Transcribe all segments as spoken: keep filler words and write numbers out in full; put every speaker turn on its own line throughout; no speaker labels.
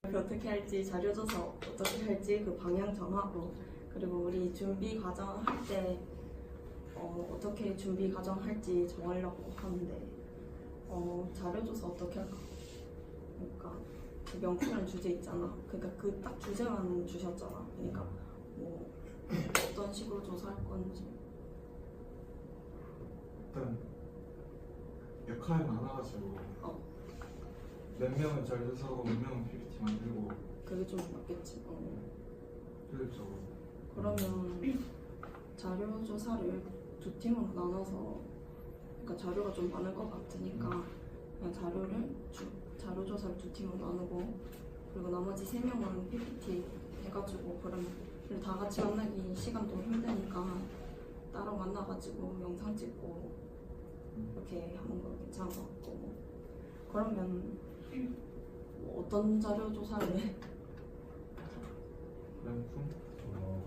어떻게 할지, 자료조사 어떻게 할지 그 방향 정하고, 그리고 우리 준비 과정 할 때 어, 어떻게 준비 과정 할지 정하려고 하는데, 어, 자료조사 어떻게 할까? 그러니까 그 명품이라는 주제 있잖아. 그러니까 그 딱 주제만 주셨잖아. 그러니까 뭐 어떤 식으로 조사할 건지.
일단 역할이 많아가지고
어.
몇 명은 자료조사하고 몇 명은 피피티 만들고
그게 좀 맞겠지. 어.
효율적으로.
그러면 자료 조사를 두 팀으로 나눠서, 그러니까 자료가 좀 많을 것 같으니까 그냥 자료를 주, 자료 조사를 두 팀으로 나누고, 그리고 나머지 세 명은 피피티 해가지고, 그럼 그리고 다 같이 만나기 시간도 힘드니까 따로 만나가지고 영상 찍고 이렇게 하는 거 괜찮은 것 같고. 그러면 뭐 어떤 자료 조사를 해?
명품?
어,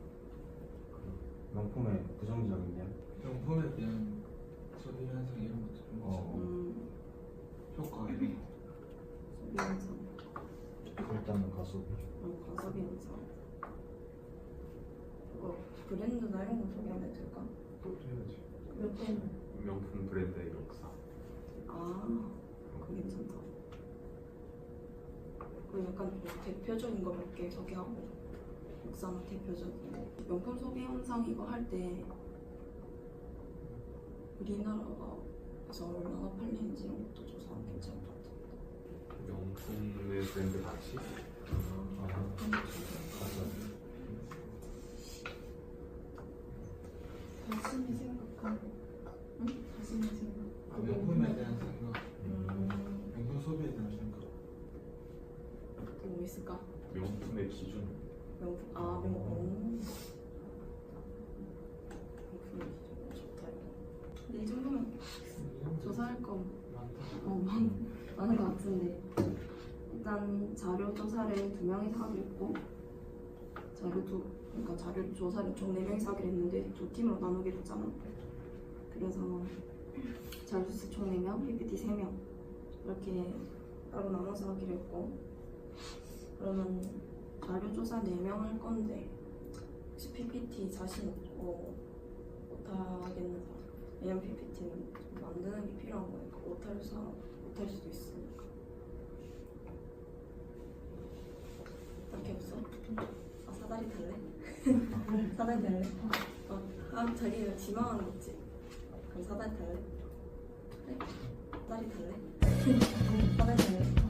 그 명품의 부정적인 면?
명품에 대한 소비 현상 이런 것도 좀
어.
음,
효과 이런 거.
소비 현상.
일단은 가소비.
어, 가소비 현상. 그거 브랜드나 이런 거 소개하면 될까?
그것도 해야지.
명품.
명품 브랜드의 역사.
아, 그거 괜찮다. 그 약간 좀 대표적인 거 몇 개 소개하고, 역사나 대표적인 거. 명품 소비 현상 이거 할 때 우리나라에서 얼마나 팔리는지 이런 것도 조사하면 괜찮을 것 같아.
명품의 브랜드 가치?
아, 가소비.
자신이 생각하고,
응?
자신이 생각.
아, 명품에 대한 생각,
음,
명품 소비에 대한 생각.
또 뭐 있을까?
명품의 기준.
명품, 아, 명품. 명품 좋다 이거. 근데 이 정도면 조사할 거
많다.
어, 많, 많은 것 같은데, 일단 자료 조사를 두 명이서 하기로 했고, 자료 두, 그러니까 자료 조사를 총 네 명이서 하기로 했는데 두 팀으로 나누기로 했잖아. 그래서 자료 조사 총 네 명, 피피티 세 명 이렇게 따로 나눠서 하기로 했고, 그러면 자료 조사 네 명 할 건데 혹시 피피티 자신 있고 못하겠는 사람? 왜냐면 피피티는 만드는 게 필요한 거니까 못할 사람 못할 수도 있으니까. 딱히 없어? 아, 사다리 탈래? 사다리 탈래? 어, 아, 자기가 지망하는 거 있지? 그럼 사다리 탈래? 그래? 사다리 탈래? 사다리 탈래?